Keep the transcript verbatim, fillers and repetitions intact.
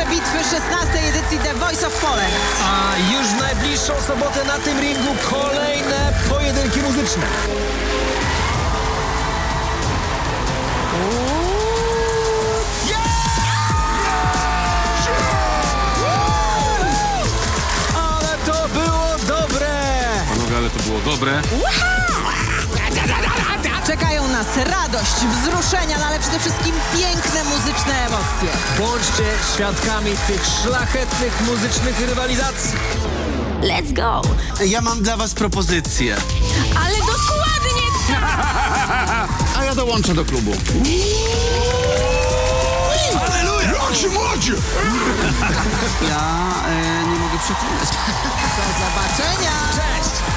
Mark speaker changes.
Speaker 1: bitwy szesnastej edycji The Voice of Poland.
Speaker 2: A już w najbliższą sobotę na tym ringu kolejne pojedynki muzyczne. Ale to było dobre!
Speaker 3: Panowie, ale to było dobre.
Speaker 1: Czekają nas radość, wzruszenia, no ale przede wszystkim piękne muzyczne emocje.
Speaker 2: Bądźcie świadkami tych szlachetnych muzycznych rywalizacji.
Speaker 4: Let's go!
Speaker 5: Ja mam dla was propozycję.
Speaker 4: Ale dokładnie tak!
Speaker 5: A ja dołączę do klubu.
Speaker 3: Aleluja! Jak się młodzi!
Speaker 5: Ja e, nie mogę przekonać.
Speaker 1: Do zobaczenia!
Speaker 2: Cześć!